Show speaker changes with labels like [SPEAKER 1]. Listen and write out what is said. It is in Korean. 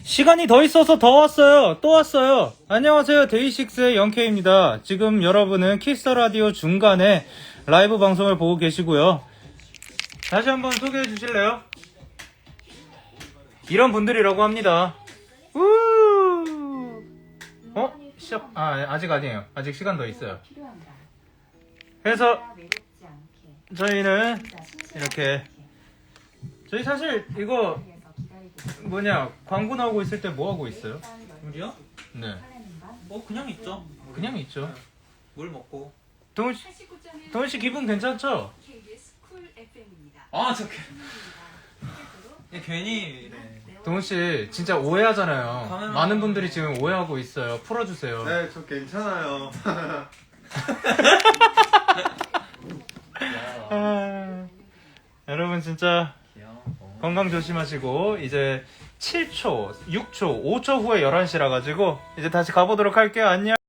[SPEAKER 1] 시간이 더 있어서 더 왔어요. 또 왔어요. 안녕하세요. 데이식스의 영케이입니다. 지금 여러분은 키스터라디오 중간에 라이브 방송을 보고 계시고요. 다시 한번 소개해 주실래요? 이런 분들이라고 합니다. 우! 시작. 아직 아니에요. 아직 시간 더 있어요. 그래서 저희는 이렇게, 저희 사실 이거 광고 나오고 있을 때 뭐 하고 있어요?
[SPEAKER 2] 우리요?
[SPEAKER 1] 네.
[SPEAKER 2] 그냥 있죠.
[SPEAKER 1] 그냥 있죠.
[SPEAKER 2] 물 먹고.
[SPEAKER 1] 동훈 씨 기분 괜찮죠?
[SPEAKER 2] 저 괜히 이래.
[SPEAKER 1] 동훈 씨 진짜 오해하잖아요.
[SPEAKER 2] 카메라.
[SPEAKER 1] 많은 분들이 지금 오해하고 있어요. 풀어주세요.
[SPEAKER 3] 네, 저 괜찮아요.
[SPEAKER 1] 여러분 진짜 건강 조심하시고 이제 7초, 6초, 5초 후에 11시라 가지고 이제 다시 가보도록 할게요. 안녕.